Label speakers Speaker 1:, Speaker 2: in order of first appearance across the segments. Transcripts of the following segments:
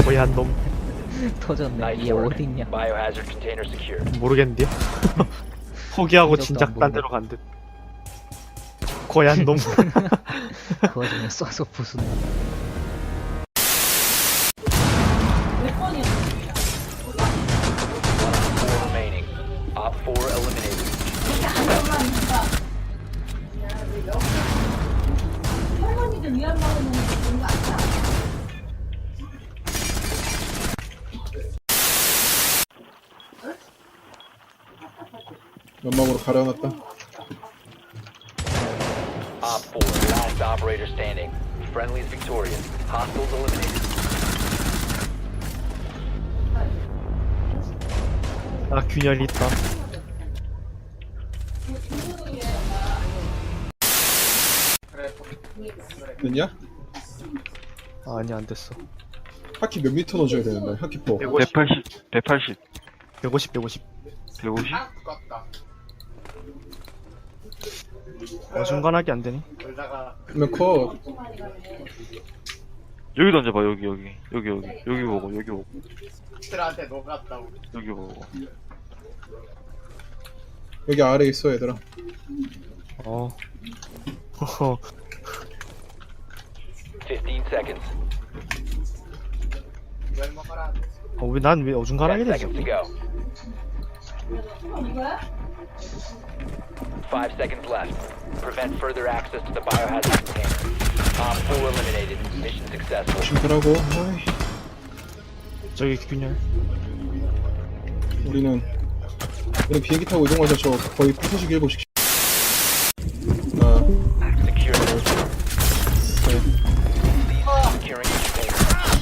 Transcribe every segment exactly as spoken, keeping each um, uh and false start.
Speaker 1: 거얀 놈.
Speaker 2: 터졌네. 얘 어딨냐?
Speaker 3: Biohazard container secure.
Speaker 1: 모르겠는데요? 포기하고
Speaker 2: 흔적도
Speaker 1: 진작
Speaker 2: 안
Speaker 1: 딴
Speaker 2: 보이네.
Speaker 1: 데로 간 듯. 거얀 놈.
Speaker 2: 그 와중에 쏴서 부순다.
Speaker 3: Four remaining. Op four eliminated.
Speaker 4: 연막으로 가려놨다.
Speaker 3: Op four, last operator standing. Friendlies victorious. Hostiles eliminated.
Speaker 1: 아, 균열 있다.
Speaker 4: 됐냐?
Speaker 1: 아, 아니, 안 됐어.
Speaker 4: 하키 몇 미터 넣어줘야 되는데, 하키포.
Speaker 5: 백팔십, 백팔십,
Speaker 1: 백오십, 백오십.
Speaker 5: 백오십?
Speaker 1: 어중간하게 안 되니?
Speaker 4: 그러면 컷.
Speaker 5: 여기 던져봐, 여기, 여기. 여기, 여기. 여기 보고, 여기 보고.
Speaker 6: 들한테 녹았다고.
Speaker 5: 여기 보고.
Speaker 4: 여기 아래 있어, 얘들아.
Speaker 1: 어. 허허.
Speaker 3: Fifteen seconds.
Speaker 6: 열 먹어라.
Speaker 1: 어, 왜, 난 왜 어중간하게
Speaker 3: Ten
Speaker 1: 되지?
Speaker 3: seconds to go. Five seconds left. Prevent further access to the biohazard container. Op four eliminated. Mission successful.
Speaker 4: 조심하라고. 어이,
Speaker 1: 저기 균열.
Speaker 4: 우리는, 우리 비행기 타고 이동하자. 저 거의 부서지기 일곱씩. 아,
Speaker 3: Secure.
Speaker 4: 네.
Speaker 3: Securing each container.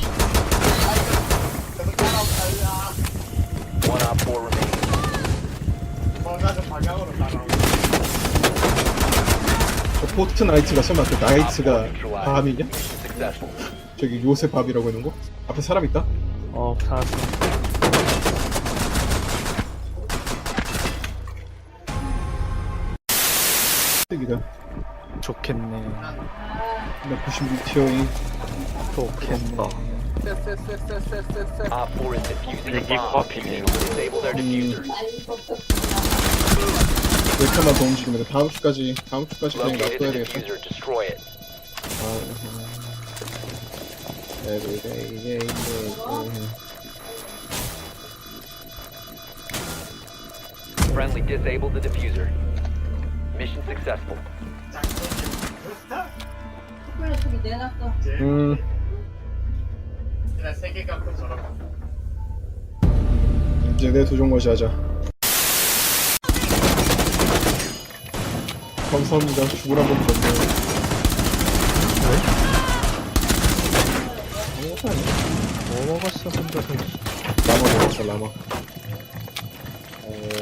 Speaker 3: One op four remaining.
Speaker 6: 뭔가 좀 방향으로 따라오고.
Speaker 4: 저 포트나이트가 설마 그 나이트가 밤이냐?
Speaker 3: Mission successful.
Speaker 4: 저기 요새 밤이라고 하는 거? 앞에 사람 있다?
Speaker 1: 어, 살았어.
Speaker 4: 뜨기다.
Speaker 1: 좋겠네.
Speaker 4: 나 구십육 티어인.
Speaker 1: 좋겠네.
Speaker 6: 쎄쎄쎄쎄쎄쎄.
Speaker 3: Op four is defusing a
Speaker 5: 이게
Speaker 3: bomb.
Speaker 5: 코앞이네요.
Speaker 3: Disable their diffuser.
Speaker 4: 몇 칸만 더 움직이면 돼. 다음 주까지, 다음 주까지 그냥
Speaker 3: Located
Speaker 4: 놔둬야
Speaker 3: the
Speaker 4: 되겠다.
Speaker 3: diffuser. Destroy it.
Speaker 4: Everyday, day, day.
Speaker 3: Friendly disabled the diffuser. Mission successful.
Speaker 4: 음,
Speaker 6: 그냥 세개 갖고 저런.
Speaker 4: 이제 내 도전 것이 하자. 감사합니다. 죽을 한번 줬네. 아무것도 아니야.
Speaker 1: 뭐 먹었어, 혼자서.
Speaker 4: 라마 먹었어, 라마. 어...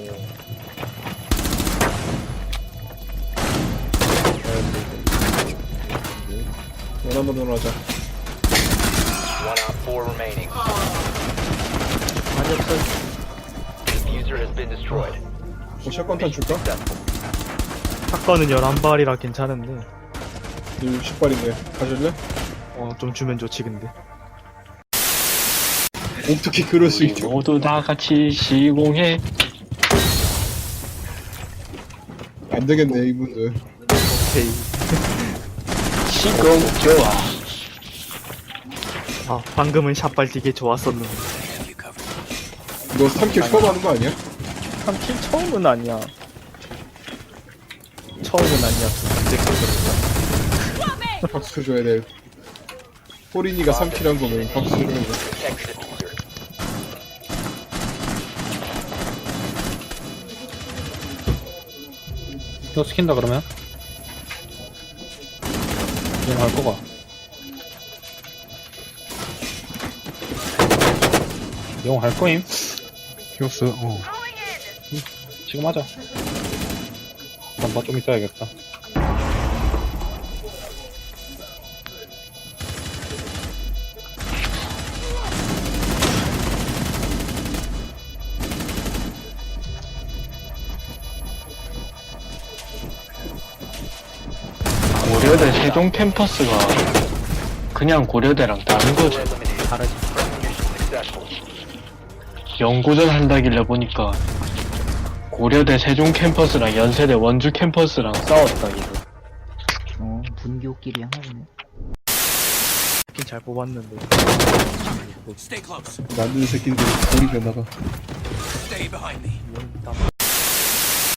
Speaker 4: 원 한번 더 하자.
Speaker 3: One op four remaining.
Speaker 1: 많이 없어.
Speaker 3: Diffuser has been destroyed.
Speaker 4: 뭐 샷건탄 줄까?
Speaker 3: Successful.
Speaker 1: 사건은 열한 발이라 괜찮은데.
Speaker 4: 육십 발인데 가질래?
Speaker 1: 어, 좀 주면 좋지, 근데.
Speaker 4: 어떻게 그럴 수
Speaker 5: 우리
Speaker 4: 있죠?
Speaker 5: 모두 다 같이 시공해.
Speaker 4: 안 되겠네, 이분들.
Speaker 1: 오케이.
Speaker 5: 시공 좋아.
Speaker 1: 아, 방금은 샷발 되게 좋았었는데.
Speaker 4: 너 삼 킬 처음 하는 거 아니야?
Speaker 1: 삼 킬 처음은 아니야. 처음은 아니었어. 언제 그랬어.
Speaker 4: 박수 줘야 돼. 호린이가 삼 킬 한 거면 박수 줘야 돼.
Speaker 3: Protect the diffuser.
Speaker 7: 이거 시킨다 그러면? 이거 할 거가. 이거 할 거임? 히오스, 어. 응, 지금 하자. 잠깐 좀 이따 해야겠다.
Speaker 5: 고려대 세종 캠퍼스가 그냥 고려대랑 다른 거지.
Speaker 3: Eliminated.
Speaker 2: 다르지.
Speaker 3: Friendly mission successful.
Speaker 5: 연구전 한다길래 보니까 고려대 세종 캠퍼스랑 연세대 원주 캠퍼스랑 싸웠다 이거.
Speaker 2: 어, 분교끼리 하나 보네.
Speaker 1: 스킨 잘 뽑았는데.
Speaker 4: 만드는 새끼들 머리 변나가.
Speaker 1: 땀.